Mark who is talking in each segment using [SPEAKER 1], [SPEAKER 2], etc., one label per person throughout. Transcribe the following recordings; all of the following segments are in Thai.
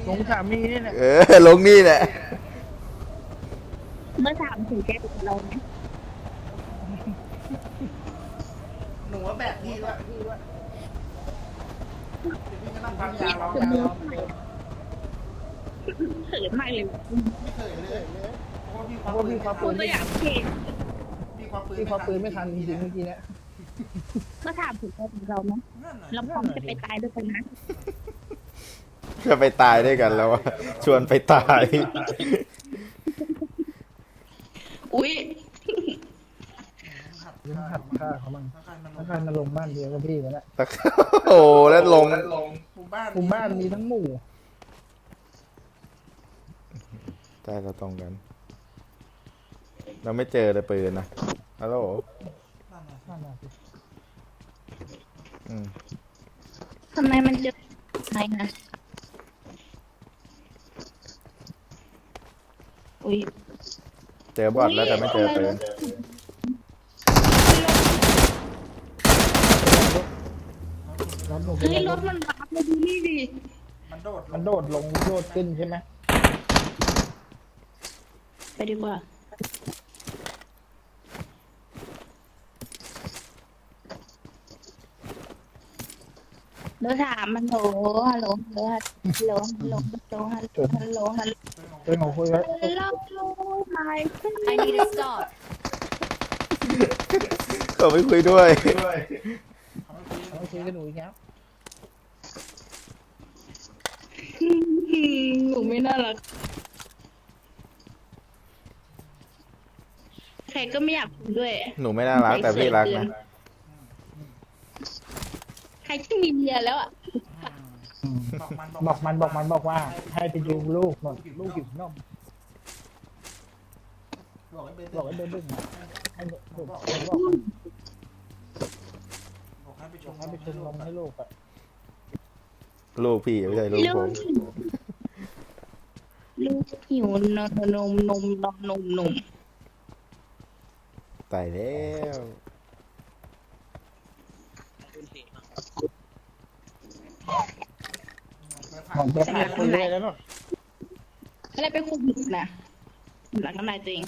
[SPEAKER 1] ลงสามีนี่แหละ
[SPEAKER 2] ลงนี่แหละ
[SPEAKER 3] เมื่อถามถึงแกกับเราไหม
[SPEAKER 4] หนูว่าแบบพี่ด้วยพี่ก็นั่งพักยาร้อง
[SPEAKER 3] เขินมากเลย
[SPEAKER 4] ไม่เคยเลยเพราะ
[SPEAKER 1] เพราะว่าพี่คว้าปื
[SPEAKER 3] คุ
[SPEAKER 1] น
[SPEAKER 3] ณก็อยากเก่ง
[SPEAKER 4] พี่คว้าปืน
[SPEAKER 1] พี่คว้าปืนไม่ทันจริงๆเมื่อกี้เนี่ย
[SPEAKER 3] เมื่อถามถึงแกกับเราไหมเราพร้อมจะไปตายด้วยกันนะ
[SPEAKER 2] จะไปตายด้วยกันแล้วอะชวนไปตาย
[SPEAKER 3] อุ้ย
[SPEAKER 1] ยังหัดฆ่าเขาบ้างถ้าใครมาลงบ้านเดียวกับพี่กันแหละ
[SPEAKER 2] โอ้แล้วลง
[SPEAKER 4] หมู่บ้าน
[SPEAKER 1] หมู่บ้านมีทั้งหมู่
[SPEAKER 2] ใช่เราตรงกัน เราไม่เจอเลยปืนนะฮัลโหล
[SPEAKER 1] นั่นน่ะสิ
[SPEAKER 3] ทำไมมันจะใช่นะอุ้ย
[SPEAKER 2] เจอบอทแล้วแต่ไม่เจอปืน
[SPEAKER 1] รถหนู
[SPEAKER 3] เฮ้ยรถมันบัฟมาดูนี่ดิ
[SPEAKER 4] มันโดด
[SPEAKER 1] มันโดดลงโดดขึ้นใช่ไหม
[SPEAKER 3] ไปดีกว่าเบอร์สามมันโหฮัลโหลฮัลโหลฮัลโหลฮัลโหลฮัลโหลฮัลโหล
[SPEAKER 1] เรื่องของคุยไว้
[SPEAKER 3] ฮัลโหลไม่
[SPEAKER 5] I need to stop.
[SPEAKER 2] เขาไม่คุยด้วย
[SPEAKER 1] เขาคุยกับหนูอีกแล้ว
[SPEAKER 3] หนูไม่น่ารักใครก็ไม่อยากคุยด้วย
[SPEAKER 2] หนูไม่น่ารักแต่พี่รักนะ
[SPEAKER 3] ใครที่มีเมียแล้วอ่ะ
[SPEAKER 1] บอกว่าให้ไปดูลูกหน่อยลูกหิวนม
[SPEAKER 4] บอกให้เบน
[SPEAKER 1] บอกให้เดินดึงนะให้ลูกบอก
[SPEAKER 4] บอกให้ไปชม
[SPEAKER 1] ให้ไปชมนมให้ลูกอ่ะ
[SPEAKER 2] ลูกพี่ไม่ใช่ลูกผม
[SPEAKER 3] ลูกหิวนมนม
[SPEAKER 2] ตายแล้ว
[SPEAKER 1] บอกจะไปคุยด้วยแล้วเนาะ
[SPEAKER 3] อะไรเป็นโควิดนะหลังน้ำลายตัวเอง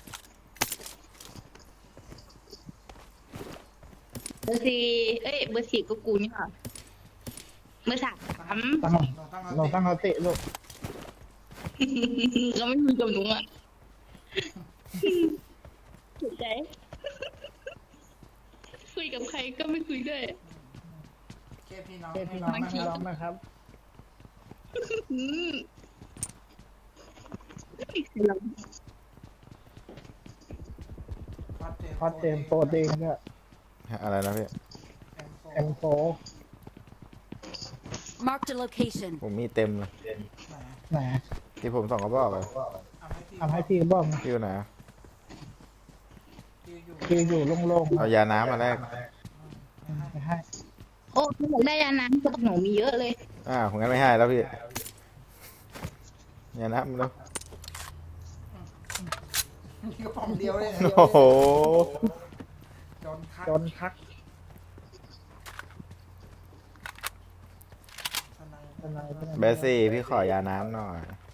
[SPEAKER 3] เบอร์สี่เบอร์สี่ก็กูนี่ค่ะเบอร์สาม
[SPEAKER 1] เราตั้งเขาเตะลูก
[SPEAKER 3] ก็ไม่คุยกับหนูอ่ะถูกใจคุยกับใครก็ไม่คุยด้วย
[SPEAKER 4] แค่พี่น้อง
[SPEAKER 1] เตะพี่น้องนะครับ พอเต็มโปรตีนเนี่ย
[SPEAKER 2] อะไรนะพี่
[SPEAKER 1] M4
[SPEAKER 5] Marked a location.
[SPEAKER 2] ผมมีเต็มเลย
[SPEAKER 1] ไหน
[SPEAKER 2] ที่ผมส่องกระบอกเลย
[SPEAKER 1] ทำให้พี่บ้าง
[SPEAKER 2] พี่อยู่ไหน
[SPEAKER 1] คืออยู่โล่งๆ
[SPEAKER 2] เอายาน้ำมาแลก
[SPEAKER 1] ไม่ให้
[SPEAKER 3] โอ้หนูได้ยาน้ำกับหนูมีเยอะเลย
[SPEAKER 2] ผมงั้นไม่ให้แล้วพี่ยาน้ำแล้ว
[SPEAKER 4] มีกระป๋องเดียวเลย
[SPEAKER 2] โอ้โห
[SPEAKER 1] จนทัก
[SPEAKER 2] เบสซี่พี่ขอยาน้ำหน่อย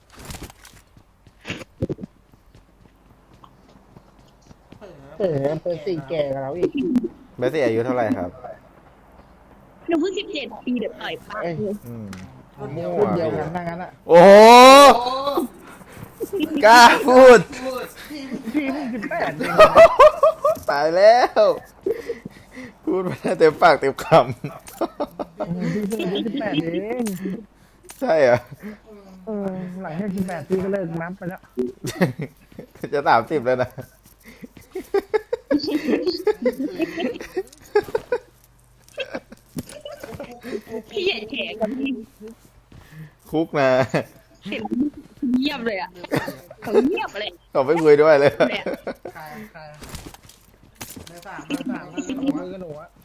[SPEAKER 1] เปิดสี่แก่กับเราอีก
[SPEAKER 2] เบสซี่อายุเท่าไหร่ครับ
[SPEAKER 3] หนูเพิ่ง17 ปีเดี๋ยวต่อยปากเลย
[SPEAKER 1] รุ่นเดียวกันนั่งนั้นอ่ะ
[SPEAKER 2] โอ้โหกล้าพูด
[SPEAKER 1] พี่เพิ่ง18เอง
[SPEAKER 2] ตายแล้ว พูดมาเต็มปากเต็มค
[SPEAKER 1] พี่เพิ่ง18เอง
[SPEAKER 2] ำ ใช่เหรอ
[SPEAKER 1] หลังจาก18พี่ก็เลิกนับไปแล้ว
[SPEAKER 2] จะ30แล้วนะ
[SPEAKER 3] พี่ใหญ่แฉกับพี่
[SPEAKER 2] คุกนะ
[SPEAKER 3] เห็นเงียบเลยอ่ะเขาเงียบเลย
[SPEAKER 2] เขาไม่คุยด้วยเลย
[SPEAKER 4] ใครเบอร์สาม
[SPEAKER 1] มือกับหนูอ่ะ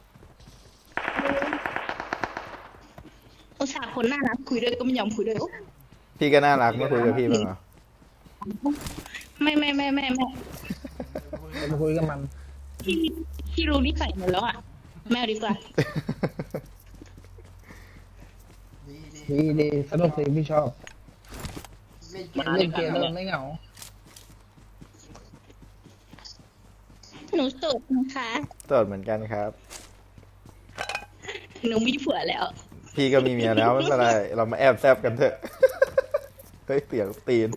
[SPEAKER 3] อุตส่าห์คนน่ารักคุยด้วยก็ไม่ยอมคุยด้วย
[SPEAKER 2] พี่ก็น่ารักไม่คุยกับพี่บ้างเหรอ
[SPEAKER 3] ไม่
[SPEAKER 1] มาคุยกับมัน
[SPEAKER 3] พี่รู้นิสัยหมดแล้วอ่ะไม่เอาดีกว่า
[SPEAKER 1] ดีสนุกสิพี่ชอบเล่นเกมแล้วมันไม่เหงา
[SPEAKER 3] หนูโสดนะคะ
[SPEAKER 2] โสดเหมือนกันครับ
[SPEAKER 3] หนูมีผัวแล้ว
[SPEAKER 2] พี่ก็มีเมียแล้วไม่เป็นไรเรามาแอบแซบกันเถอะ เฮ้ยเสียงตีน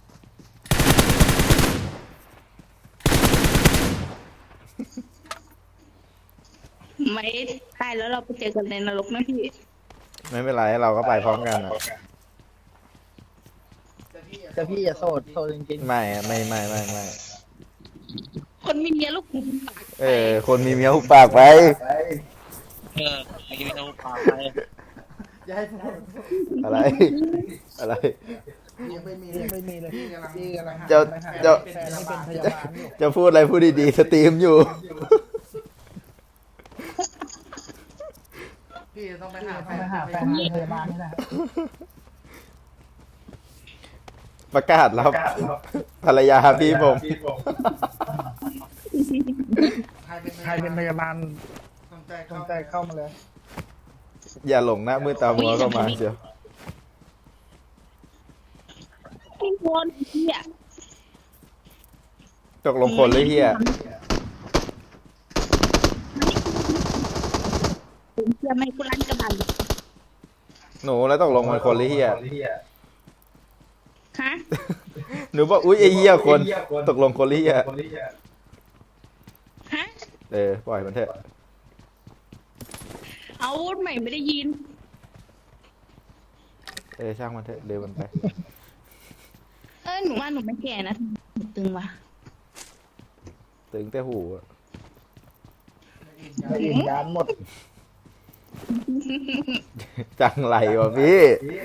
[SPEAKER 3] ไม่ตายแล้วเราไปเจอกันในนรกนะพี่
[SPEAKER 2] ไม่เป็นไรเราก็ไปพร้อมกันอ่ะ
[SPEAKER 1] แต่พี่อย่าโสดจริง
[SPEAKER 2] ไม่ไม่
[SPEAKER 3] คนมีเมียลูกหูปาก
[SPEAKER 2] เออ คนมีเมียหุบปากไป
[SPEAKER 6] มีเอาปากไป
[SPEAKER 4] อย่าให้พูด
[SPEAKER 2] อะไร อะไร
[SPEAKER 4] ยังไม่มี
[SPEAKER 1] ๆไม่มีเลย
[SPEAKER 4] พี่
[SPEAKER 1] พี่
[SPEAKER 4] กำลัง
[SPEAKER 1] กำลัง
[SPEAKER 2] เจ้า
[SPEAKER 1] ไปหา
[SPEAKER 2] เจ้า
[SPEAKER 1] แฟนที่เป็นพยาบาลอยู่
[SPEAKER 2] จะพูดอะไรพูดดีๆสตรีมอยู่
[SPEAKER 4] พี่ต้องไปหาแฟ
[SPEAKER 1] ต้อง
[SPEAKER 4] น
[SPEAKER 1] ไปหาแฟนที่เป็นพยาบาลนี่แหละ
[SPEAKER 2] ประกาศรับภรรยาพี่ผม
[SPEAKER 4] ใครเป็น
[SPEAKER 1] ใครเป็นพยาบาล
[SPEAKER 4] สนใจ
[SPEAKER 1] เข้ามาเลย
[SPEAKER 2] อย่าหลงหน้ามือตามัวเข้ามาเชียว
[SPEAKER 3] พี่คนพี่อะ
[SPEAKER 2] ตกลงคนหรือเฮีย
[SPEAKER 3] ผมเชื่อไม่กุลันกระบัน
[SPEAKER 2] หนูแล้วตกลงมันคนหรือเฮีย
[SPEAKER 3] ฮะ
[SPEAKER 2] หนูบอกอุ้ยไอเฮียคนตกลงคนหรือเฮีย
[SPEAKER 3] ฮะ
[SPEAKER 2] เออปล่อยมันเถอะ
[SPEAKER 3] เอาใหม่ไม่ได้ยิน
[SPEAKER 2] เออช่างมันเถอะเร็วมันไป
[SPEAKER 3] หนูว่าหนูไม่แก่นะหนูตึงว่ะ
[SPEAKER 2] ตึงแต่หูอะ
[SPEAKER 1] ไม่อิ่มยานหมด
[SPEAKER 2] จังไรวะพี่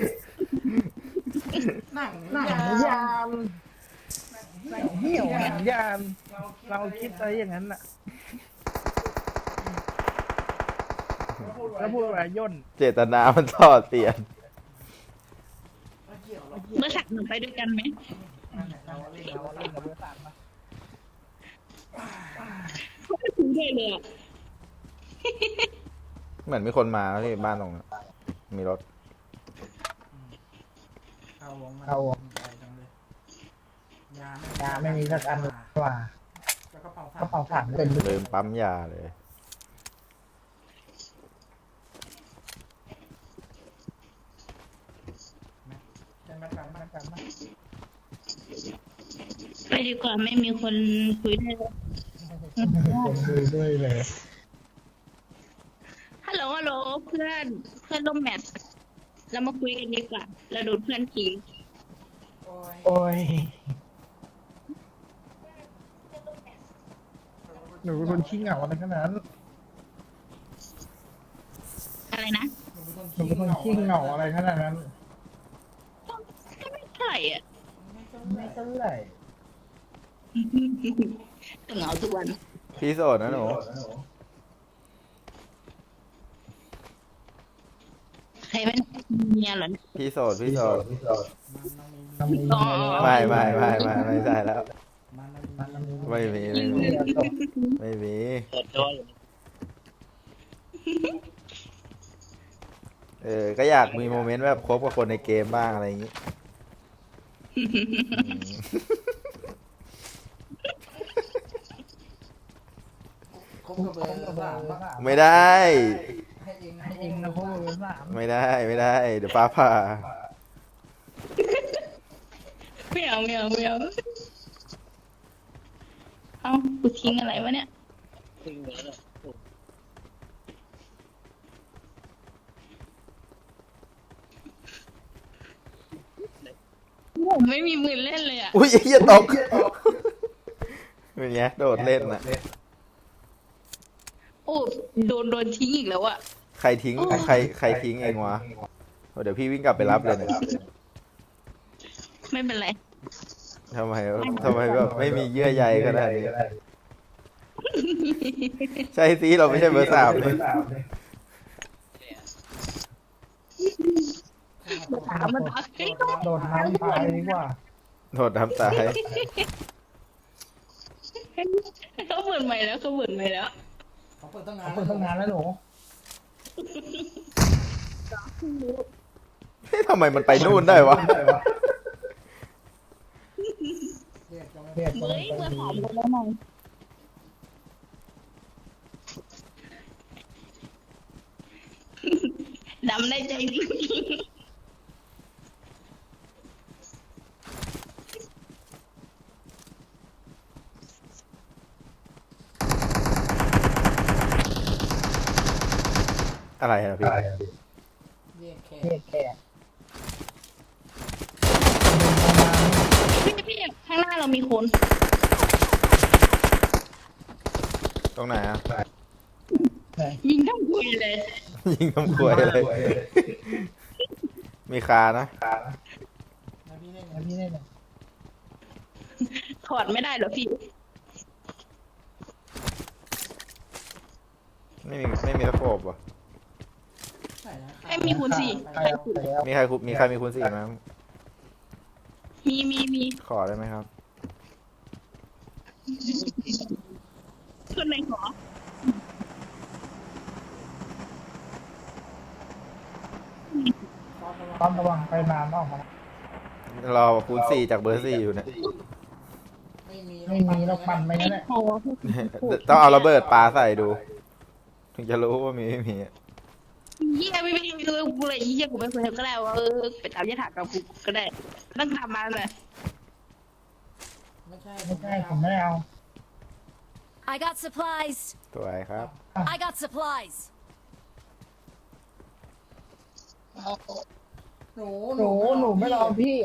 [SPEAKER 4] หนัง
[SPEAKER 1] หนังยามหนังเหี่ยวหนังยามเราคิดอะไรอย่างนั้นน่ะแล้วพูดว่าย่น
[SPEAKER 2] เจตนามันทอดเปลี่ยน
[SPEAKER 3] เมื่อสักหนูไปด้วยกันไหม
[SPEAKER 1] เราเล่นกับเบอร์สามมา
[SPEAKER 3] เขาไม่ถึงเลยเลยอะ
[SPEAKER 2] เหมือนมีคนมาที่บ้านตรงนั้นมีรถ
[SPEAKER 1] เอา ยาไม่มีสักอันว่า
[SPEAKER 4] แล้วกระเป๋าก
[SPEAKER 1] ระเป๋าถังเต็มเลย
[SPEAKER 2] ลืมปั๊มยาเลย
[SPEAKER 1] จะมาทำมาทำมา
[SPEAKER 3] ไปดีกว่าไม่มีคนคุยด้วยเลย
[SPEAKER 1] คนดูด้วยเลย
[SPEAKER 3] ฮัลโหลฮัลโหลเพื่อนร่วมแมทเรามาคุยกันดีกว่าเราโดนเพื่อนทิ้ง
[SPEAKER 1] โอ้ยหนูเป็นคนขี้เหงาอะไรขนาดนั้น
[SPEAKER 3] อะไรนะ
[SPEAKER 1] หนูเป็นคนขี้เหงาอะไรขนาดนั้น
[SPEAKER 3] ก็ไม่เท่าไหร่อ่ะ
[SPEAKER 1] ไม่เท่าไหร่
[SPEAKER 3] แต่เหงาทุกวัน
[SPEAKER 2] พี่โสดนะหนู
[SPEAKER 3] ใครเป็นเมียเหรอ
[SPEAKER 2] พี่โสดพี่โสด
[SPEAKER 1] มันมี
[SPEAKER 3] อ๋อ
[SPEAKER 2] ไม่ใช่แล้ว
[SPEAKER 1] มันมี
[SPEAKER 2] ไม่มีไม่มี
[SPEAKER 6] เปิดตัวอยู่
[SPEAKER 2] เออก็อยากมีโมเมนต์แบบคบกับคนในเกมบ้างอะไรอย่างงี้
[SPEAKER 4] คบกับเบอร์สามปะ
[SPEAKER 2] ไม่ได้
[SPEAKER 4] ให้เอง
[SPEAKER 1] ให้เองนะพวกเบอร์สาม
[SPEAKER 2] ไม่ได้เดี๋ยวฟ้าผ่า
[SPEAKER 3] ไม่เอาเอากูทิ้งอะไรวะเนี่ย
[SPEAKER 6] ทิ้งเลยนะโอ้
[SPEAKER 3] ผมไม่มีมือเล่นเลยอ่ะ
[SPEAKER 2] อุ้ยไอ้เหี้ยตกเป็นไงโดดเล่นนะ
[SPEAKER 3] โอ้โดนทิ้งอีกแล้วอ่ะ
[SPEAKER 2] ใครทิ้งใครทิ้งเองวะเดี๋ยวพี่วิ่งกลับไปรับเลยนะ
[SPEAKER 3] ไม่เป็นไร
[SPEAKER 2] ทำไมแบบไม่มีเยื่อใยขนาดนี้ใช่สิเราไม่ใช่เบอร์สามเลย
[SPEAKER 3] ถามมันเอาเฮ้ยก็
[SPEAKER 1] โดดน้ำตายดีกว่า
[SPEAKER 2] โดดน้ำตาย
[SPEAKER 3] เขาเปิดใหม่แล้ว
[SPEAKER 4] เขาเปิดตั้งนาน
[SPEAKER 1] เปิดตั้งนานแล้วหนู
[SPEAKER 2] ทำไมมันไปนู่นได้วะ
[SPEAKER 3] เฮ้ยเบอร์สามคนแล้วไงดำได้ใจจริง
[SPEAKER 2] อะไรนะพี่
[SPEAKER 4] เรียกแค่
[SPEAKER 1] แค่
[SPEAKER 3] พี่ข้างหน้าเรามีคน
[SPEAKER 2] ตรงไหนอะ
[SPEAKER 3] ยิงทั้งคุยเลย
[SPEAKER 2] ยิงทำควยเลย มีคานะ
[SPEAKER 4] นะพี่เล่น
[SPEAKER 1] แล้วพี่ได้ไหม
[SPEAKER 3] ถอดไม่ได้เหรอพี่
[SPEAKER 2] ไม่มีตะโขบว่ะ
[SPEAKER 4] ใส่นะ
[SPEAKER 3] ไม่มีคูณสี่
[SPEAKER 1] ไปแล้วไปแล้ว
[SPEAKER 2] มีใครมีคูณ4ไหม
[SPEAKER 3] มี
[SPEAKER 2] ขอได้ไหมครับ
[SPEAKER 3] คนไหนขอ
[SPEAKER 1] ต้องระวังไปนานออกมา
[SPEAKER 2] รอคูณ4จากเบอร์4อยู่เนี่ย
[SPEAKER 1] ไม่มีเราปั่นไปงั้นแหละ
[SPEAKER 3] โอ้
[SPEAKER 2] ต้องเอาระเบิดปาใส่ดู ถึงจะรู้ว่ามีไม่มีอะ
[SPEAKER 3] เยี่ยไม่รู้กูเลยเยี่ยกูไม่เคยทำก็ได้ว่าไปตามยถากรรมกูก็ได้ต้องทำมาเลย
[SPEAKER 4] ไม่ใช่
[SPEAKER 1] ไม่ใช่ผมไม่ได้เอา
[SPEAKER 5] I got supplies.
[SPEAKER 2] สวยครับ
[SPEAKER 5] I got supplies.
[SPEAKER 4] หนู
[SPEAKER 1] หนูไม่รอพี่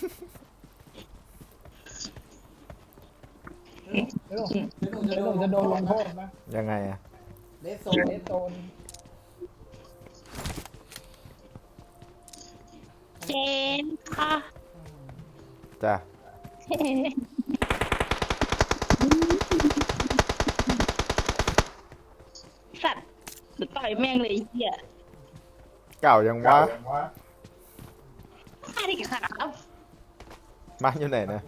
[SPEAKER 1] เดี๋ยวหนูจะโดนลงโทษนะ
[SPEAKER 2] ยังไงอะ
[SPEAKER 4] เลสโซ
[SPEAKER 1] เล
[SPEAKER 4] น
[SPEAKER 1] สโซน
[SPEAKER 3] เจนค่ะ
[SPEAKER 2] จ้ะ
[SPEAKER 3] สัตว์หรือต่อยแม่งเลยเหี้ย
[SPEAKER 2] เก่ายังวะ
[SPEAKER 3] อะไรกันครับ
[SPEAKER 2] บ้านอยู่ไหนนะ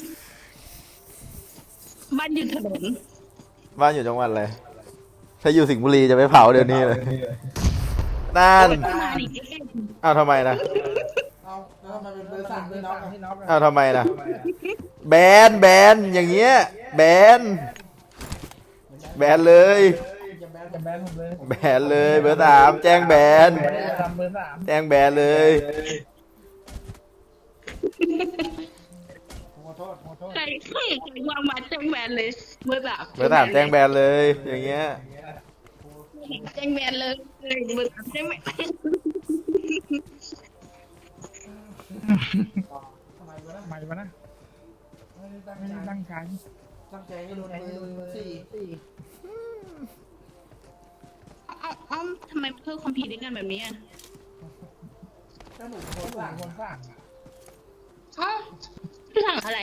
[SPEAKER 3] บ้านอยู่ถนน
[SPEAKER 2] บ้านอยู่จังหวัดอะไร ถ้าอยู่สิงห์บุรีจะไปเผาเดี๋ยวนี้เลยนั่น
[SPEAKER 3] มาดิ
[SPEAKER 2] อ้าวทำไมนะ
[SPEAKER 4] เอาแล้วทำไมเป็นเบอร์สามพี่น้องอะ
[SPEAKER 1] พี่น็อก
[SPEAKER 2] อ้าวทำไมนะแบนอย่างเงี้ยแบนเลย
[SPEAKER 4] อย่าแบน
[SPEAKER 1] จะแบนผมเลย
[SPEAKER 2] แบนเลยเบอร์3แจ้งแบน
[SPEAKER 1] ทำเบอร์สาม
[SPEAKER 2] แจ้งแบนเลย
[SPEAKER 4] ขอโทษ
[SPEAKER 3] ใครวางมาแจ้งแบนเลยเบอร์สาม
[SPEAKER 2] เบอร์3แจ้งแบนเลย อย่างเงี้ย
[SPEAKER 3] แจ้งแบนเลยเบอร์สามแจ้งแบน
[SPEAKER 4] ทำไมวะนะ
[SPEAKER 1] ใหม่ปะนะ
[SPEAKER 4] ไม่ได้ตั้ง
[SPEAKER 1] ไม่
[SPEAKER 4] ใจ
[SPEAKER 1] ได้ตั้งใจ
[SPEAKER 4] ตั้งใจให้โดนเบอร์สี่
[SPEAKER 3] เอ้าทำไมเพิ่มความผิดด้วยกันแบบนี้อ่ะ
[SPEAKER 4] ถ้าหนูโด
[SPEAKER 1] ก็
[SPEAKER 4] น
[SPEAKER 1] หนู
[SPEAKER 4] สั่ง
[SPEAKER 1] คนสร้าง
[SPEAKER 3] อ๋อพี่สั่งอะไร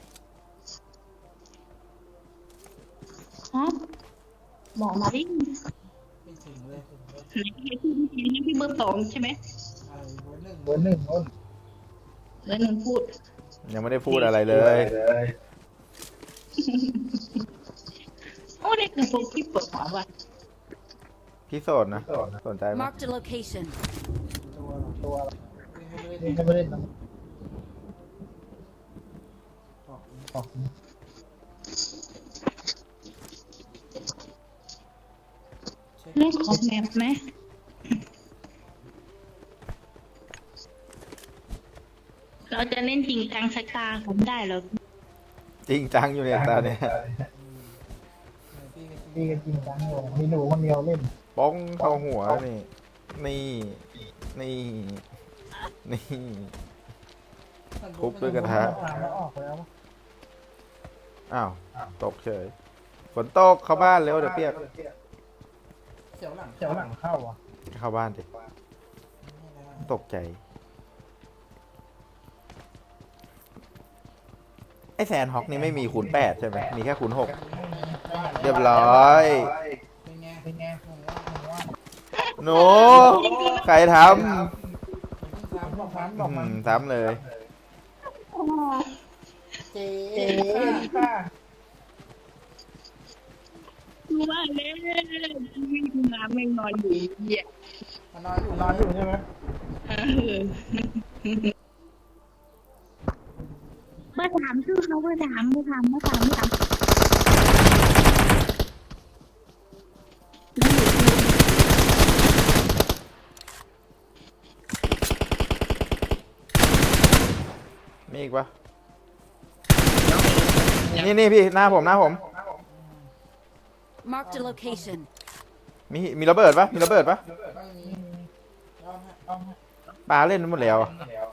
[SPEAKER 3] ฮะบอกมาดิ
[SPEAKER 4] ไม่ถึงเลย
[SPEAKER 3] พี่เบอร์สองใช่ไหม
[SPEAKER 4] อะไรเบอร์หนึ่ง
[SPEAKER 1] เบอร์หนึ่งคน
[SPEAKER 3] เบอร์หนึ่งพูด
[SPEAKER 2] ยังไม่ได้พูดอะไรเลย
[SPEAKER 3] โอ้เด็กหนึ่งคนที่เปิดหัวว่ะ
[SPEAKER 2] พี่โสดนะ สนใจไหม
[SPEAKER 5] Marked a location.
[SPEAKER 1] ตัว
[SPEAKER 4] เล่น
[SPEAKER 1] นี่ก็ไม่เล่นนะ
[SPEAKER 4] ออก
[SPEAKER 1] ออก
[SPEAKER 3] เรื่องของแมปไหมเราจะเล่นจริงจังสักตาผมได้เหรอ
[SPEAKER 2] จริงจังอยู่เนี่ยตาเนี่ย
[SPEAKER 1] ดีกันจริงจังอยู่มีหนูคนเดียวเล่น
[SPEAKER 2] ป้องเข้าหัวนี่ นี่ทุบด้วยกระทะ
[SPEAKER 1] ผ่านแล้วออกแล้ว
[SPEAKER 2] อ้าว ตกเฉย ฝนตกเข้าบ้านเร็วเดี๋ยวเปียก
[SPEAKER 4] เสียวหลัง
[SPEAKER 1] เจ้าหลังเข้าอ่ะ
[SPEAKER 2] เข้าบ้านดิ ตกใจ ไอแซนฮอกนี่ไม่มีคูณ8ใช่ไหม มีแค่คูณ6เรียบร้อย
[SPEAKER 4] เป็นไง
[SPEAKER 1] เป็นไง
[SPEAKER 2] หนูใครท
[SPEAKER 4] ซ้ำบอก
[SPEAKER 1] ฟัน
[SPEAKER 2] ำ
[SPEAKER 1] บอกมัน
[SPEAKER 2] ซ้ำเลย
[SPEAKER 4] เจ๊
[SPEAKER 1] เอ๋ค่ะ
[SPEAKER 3] รู้ว่าเล่นวิ่งมาไม่นอนอยู่เหี้ย
[SPEAKER 4] มานอนอยู่
[SPEAKER 1] นอนอยู่ใช่ไหม
[SPEAKER 3] เออเบอร์สามชื่อเขาเบอร์สามเบอร์สามเบอร์สามเบอร์สาม
[SPEAKER 2] มีอีกปะนี่พี่หน้าผม
[SPEAKER 5] Marked a location.
[SPEAKER 2] มีระเบิดปะมีระเบิดปะ
[SPEAKER 4] ไม่มียอมฮะ
[SPEAKER 2] ปลาเล่นหมดแล้วอะ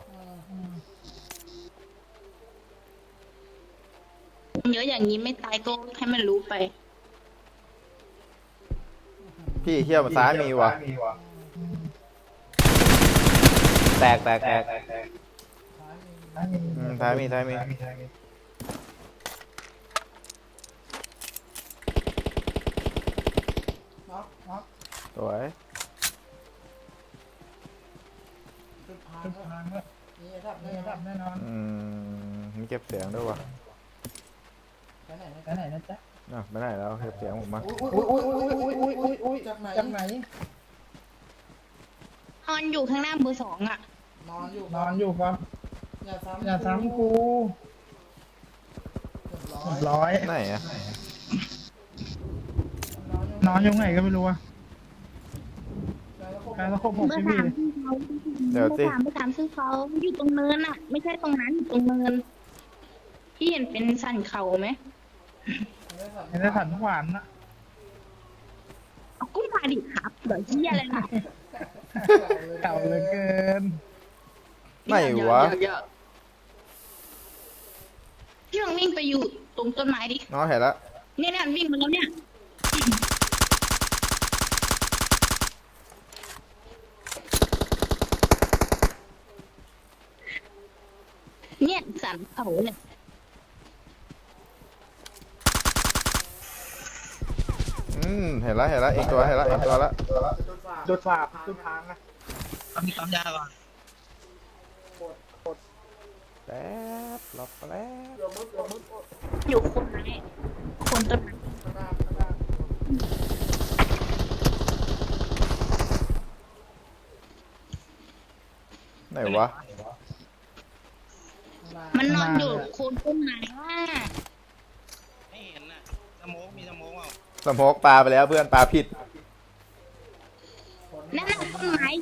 [SPEAKER 3] เยอะอย่างนี้ไม่ตายก็ให้มันรู้ไป
[SPEAKER 2] พี่เที่ยวซ้ายมีวะแตก
[SPEAKER 4] ซ้ายมี
[SPEAKER 2] ซ้ายมี
[SPEAKER 4] น็อกน็อก
[SPEAKER 2] สวย
[SPEAKER 4] จุดพัง
[SPEAKER 1] ทุก
[SPEAKER 4] แล้ว
[SPEAKER 1] ทางแล้ว
[SPEAKER 4] มีระดับ
[SPEAKER 1] นี่
[SPEAKER 4] แน่น
[SPEAKER 1] ดั
[SPEAKER 4] อบ น
[SPEAKER 1] แน่นอน
[SPEAKER 2] มีเก็บเสียงด้วยวะ
[SPEAKER 4] ไปไหน
[SPEAKER 1] ไปไหนนะจ๊ะ
[SPEAKER 2] ไม่ได้แล้วเก็บเสียงผมมา
[SPEAKER 4] อุ้ยจากไหน
[SPEAKER 1] จากไหน
[SPEAKER 3] นอนอยู่ข้างหน้าเบอร์สองอ่ะ
[SPEAKER 4] นอนอยู่
[SPEAKER 1] นอนอยู่ครับ
[SPEAKER 4] อย่าซ้ำ
[SPEAKER 1] อย่าซ้ำกู
[SPEAKER 4] เรียบร้อย
[SPEAKER 1] เรียบร้อย
[SPEAKER 2] ไหนอะ
[SPEAKER 1] นอนอยู่ไหนก็ไม่รู้อะ
[SPEAKER 4] แล้วก็
[SPEAKER 1] การตะคบหก
[SPEAKER 3] เบอ
[SPEAKER 1] สิบ
[SPEAKER 3] ร์
[SPEAKER 1] ปี
[SPEAKER 3] สามชื่อเขาเบอร์สามชื่อเขาอยู่ตรงเนินอ่ะ ไม่ใช่ตรงนั้นอยู่ตรงเนินที่เห็นเป็นสันเขาไหม
[SPEAKER 1] เห็นได้สันหวานนะ
[SPEAKER 3] เอากุ้งมาดิครับเดี๋ยวเหี้ยอะไรล่ะ
[SPEAKER 1] เก่าเหลือเกิน
[SPEAKER 2] ไหนวะ
[SPEAKER 3] พี่ลองวิ่งไปอยู่ตรงต้นไม้ดิ
[SPEAKER 2] น้องเห็นแล้ว
[SPEAKER 3] เนี่ยวิ่งมาแล้วเนี่ยเนี่ยสันเขาเนี่ย
[SPEAKER 2] เห็นแล้วอีกตัวเห็นแล้วละ
[SPEAKER 1] โดดฝาบทุกทางนะ
[SPEAKER 6] มีความยากก่อน
[SPEAKER 2] แป๊บรอแป๊บ
[SPEAKER 3] อยู่คนไหนคนต้นไม้
[SPEAKER 2] ไหนวะ
[SPEAKER 3] มันนอนอยู่โคนต้นไม้ว่า
[SPEAKER 6] ไม่เห็นน่ะสโมกมีสโมกเปล่า
[SPEAKER 2] สมกปลาไปแล้วเพื่อนปลาผิด
[SPEAKER 3] นั่นน่ะต้นไม้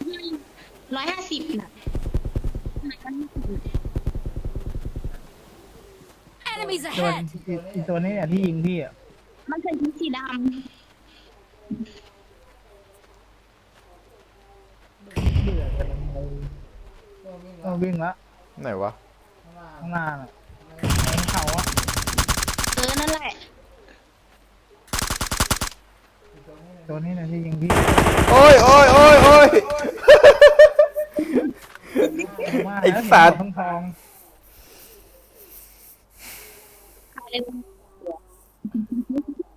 [SPEAKER 3] 150น่ะ
[SPEAKER 5] Enemies
[SPEAKER 1] ตัว
[SPEAKER 5] ahead!
[SPEAKER 1] อีตัวนี้เนี่ยที่ยิงพี่อ่ะ
[SPEAKER 3] มันเป็นสีด
[SPEAKER 1] เบื่อกันเลยต้องวิ่งละ
[SPEAKER 2] ไหนวะ
[SPEAKER 1] ข้างหน้าน่ะบนเขาอ่ะ
[SPEAKER 3] ำนั่นแหละ
[SPEAKER 1] ตัวนี้เนี่ยที่ยิงพี่
[SPEAKER 2] โอ้ย
[SPEAKER 1] ว่า
[SPEAKER 2] ไอ้
[SPEAKER 1] แล้ว
[SPEAKER 2] สัตว์
[SPEAKER 1] ทอง
[SPEAKER 3] อะไร